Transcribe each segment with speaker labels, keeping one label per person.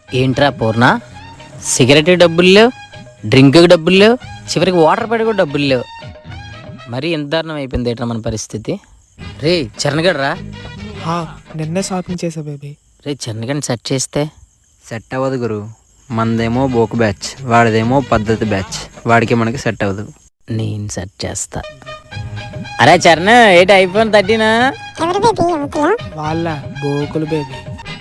Speaker 1: ఏంట్రా పూర్ణ, సిగరెట్ డబ్బులు లేవు, డ్రింక్కి డబ్బులు లేవు, చివరికి వాటర్ పడి కూడా డబ్బులు లేవు. మరీ ఎంత దారుణం అయిపోయింది ఏంట్రా మన పరిస్థితి. రే చరణ్గడ్ రా.
Speaker 2: నిన్నే షాపింగ్ చేసా బేబీ.
Speaker 1: రే చరణ్గడ్ని సెట్ చేస్తే
Speaker 3: సెట్ అవ్వదు గురు. మనదేమో బోకు బ్యాచ్, వాడిదేమో పద్ధతి బ్యాచ్. వాడికి మనకి సెట్ అవ్వదు.
Speaker 1: నేను సెట్ చేస్తా. అరే చరణ్, ఏంటి ఐఫోన్ 13?
Speaker 2: వాళ్ళ బోకులు బేబీ.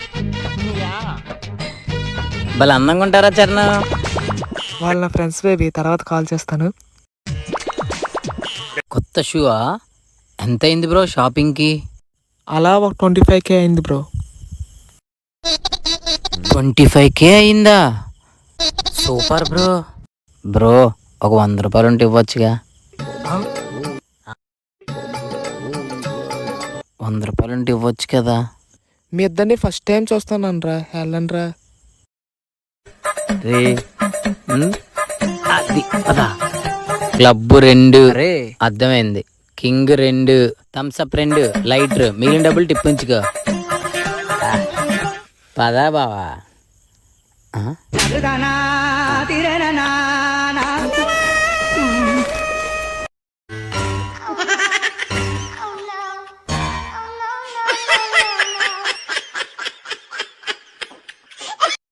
Speaker 1: భలే అందంగా ఉంటారా చరణ్?
Speaker 2: వాళ్ళ నా ఫ్రెండ్స్ బేబీ. తర్వాత కాల్ చేస్తాను.
Speaker 1: కొత్త షూవా? ఎంత అయింది బ్రో షాపింగ్కి?
Speaker 2: అలా ఒక 25K అయింది బ్రో.
Speaker 1: 25K అయిందా? Super bro. బ్రో ఒక 100 రూపాయలు ఉంటే ఇవ్వచ్చుగా. 100 రూపాయలు ఉంటే ఇవ్వచ్చు కదా.
Speaker 2: మీ ఇద్దరిని ఫస్ట్ టైం చూస్తాను రా. వెళ్ళండి రా.
Speaker 1: రే అది అదా. క్లబ్ 2
Speaker 3: రే
Speaker 1: అర్థమైంది. కింగ్ 2, థమ్స్అప్ 2, లైటర్, మిగిలిన డబ్బులు టిప్పించుకో. పదా బావా.